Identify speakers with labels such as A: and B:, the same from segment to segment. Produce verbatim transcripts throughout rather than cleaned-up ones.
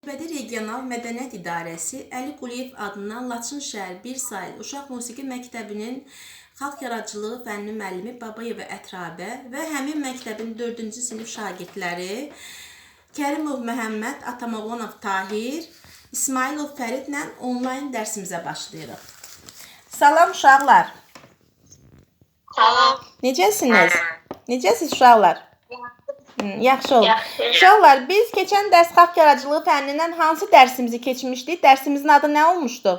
A: Göybədi Regional Mədəniyyət İdarəsi Əli Quliyev adından Laçın şəhər bir saylı Uşaq Musiqi Məktəbinin Xalq Yaradıcılığı fənni müəllimi Babayeva Ətrabə və həmin məktəbin dördüncü sinif şagirdləri Kərimov Məhəmməd, Atamavonov Tahir, İsmailov Fəridlə onlayn dərsimizə başlayırıq. Salam uşaqlar.
B: Salam.
A: Necəsiniz? Necəsiniz uşaqlar? Yaxşı oldu.
B: Yaxşı.
A: Uşaqlar, biz keçən dərs xalq yaradıcılığı fənnindən hansı dərsimizi keçmişdik? Dərsimizin adı nə olmuşdu?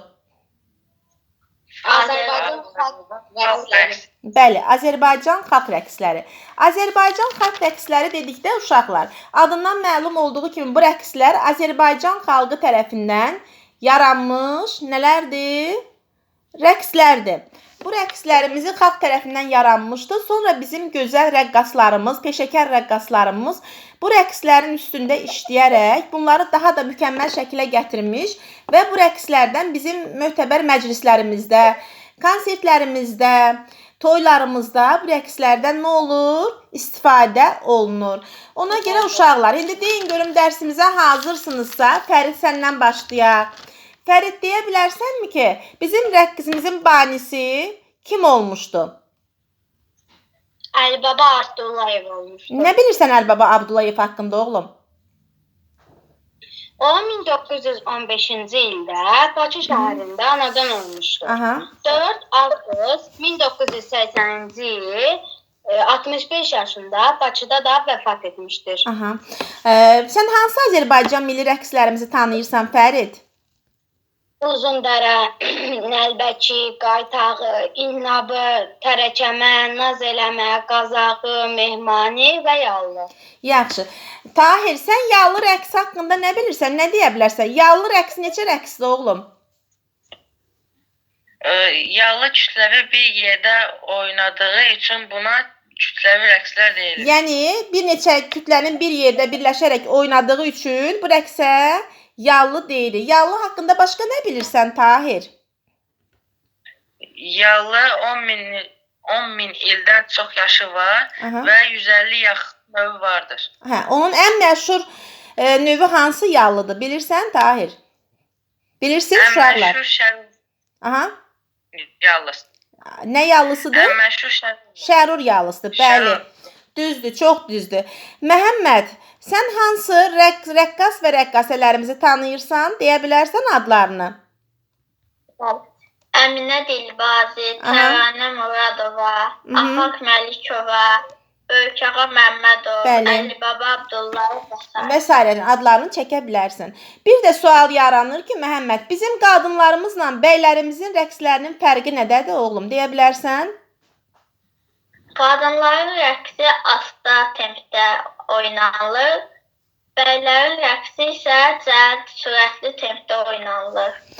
B: Azərbaycan xalq rəqsləri.
A: Bəli, Azərbaycan xalq rəqsləri. Azərbaycan xalq rəqsləri dedikdə uşaqlar, adından məlum olduğu kimi bu rəqslər Azərbaycan xalqı tərəfindən yaranmış nələrdir? Rəqslərdir. Bu rəqslərimizi xalq tərəfindən yaranmışdı. Sonra bizim gözəl rəqqaslarımız, peşəkar rəqqaslarımız bu rəqslərin üstündə işləyərək bunları daha da mükəmməl şəkilə gətirmiş və bu rəqslərdən bizim möhtəbər məclislərimizdə, konsertlərimizdə, toylarımızda bu rəqslərdən nə olur? İstifadə olunur. Ona görə uşaqlar, indi deyin görüm dərsimizə hazırsınızsa, Fərid səndən başlayaq. Fərid, deyə bilərsənmi ki, bizim rəqsimizin banisi kim olmuşdu?
B: Əlibaba Abdullayev olmuşdu.
A: Nə bilirsən Əlibaba Abdullayev haqqında oğlum?
B: O min doqquz yüz on beşinci ildə Bakı şəhərində anadan olmuşdu.
A: Aha.
B: dörd avqust min doqquz yüz səksəninci il altmış beş yaşında Bakıda da vəfat etmişdir.
A: Aha. Ee, sən hansı Azərbaycan milli rəqslərimizi tanıyırsan Fərid?
B: Uzundərə, Nəlbəki, Qaytağı, İnnabı, Tərəkəmə, Naz eləmə, Qazağı, Mehmani və Yallı.
A: Yaxşı. Tahir, sən yallı rəqs haqqında nə bilirsən? Nə deyə bilərsən? Yallı rəqs neçə rəqsdir oğlum?
C: Yallı kütləvi bir yerdə oynadığı üçün buna kütləvi rəqslər deyilir.
A: Yəni, bir neçə kütlənin bir yerdə birləşərək oynadığı üçün bu rəqsə yallı deyilir. Yallı haqqında başqa nə bilirsən Tahir?
C: Yallı on min ildən çox yaşı var. Aha. Və yüz əlli yaxın növü vardır.
A: Hə, onun ən məşhur e, növü hansı yallıdır? Bilirsən Tahir? Bilirsiniz uşaqlar?
C: Ən məşhur şərur.
A: Aha.
C: Yallısı.
A: Nə yallısıdır?
C: Ən məşhur şərur.
A: Şərur yallısıdır. Bəli. Düzdür, çox düzdür. Məhəmməd, sən hansı rəq rəqqas və rəqqasələrimizi tanıyırsan? Deyə bilərsən adlarını?
B: Əminə Dilbazi, Təvənə Muradova, Afaq Məlikova, Böyükağa Məmmədov, Əlibaba Abdullayev
A: və s. adlarını çəkə bilərsən. Bir də sual yaranır ki, Məhəmməd, bizim qadınlarımızla bəylərimizin rəqslərinin fərqi nədədir oğlum? Deyə bilərsən?
B: Qadınların rəqsi asta tempdə oynanılır, bəylərin rəqsi isə cəld, sürətli tempdə oynanılır.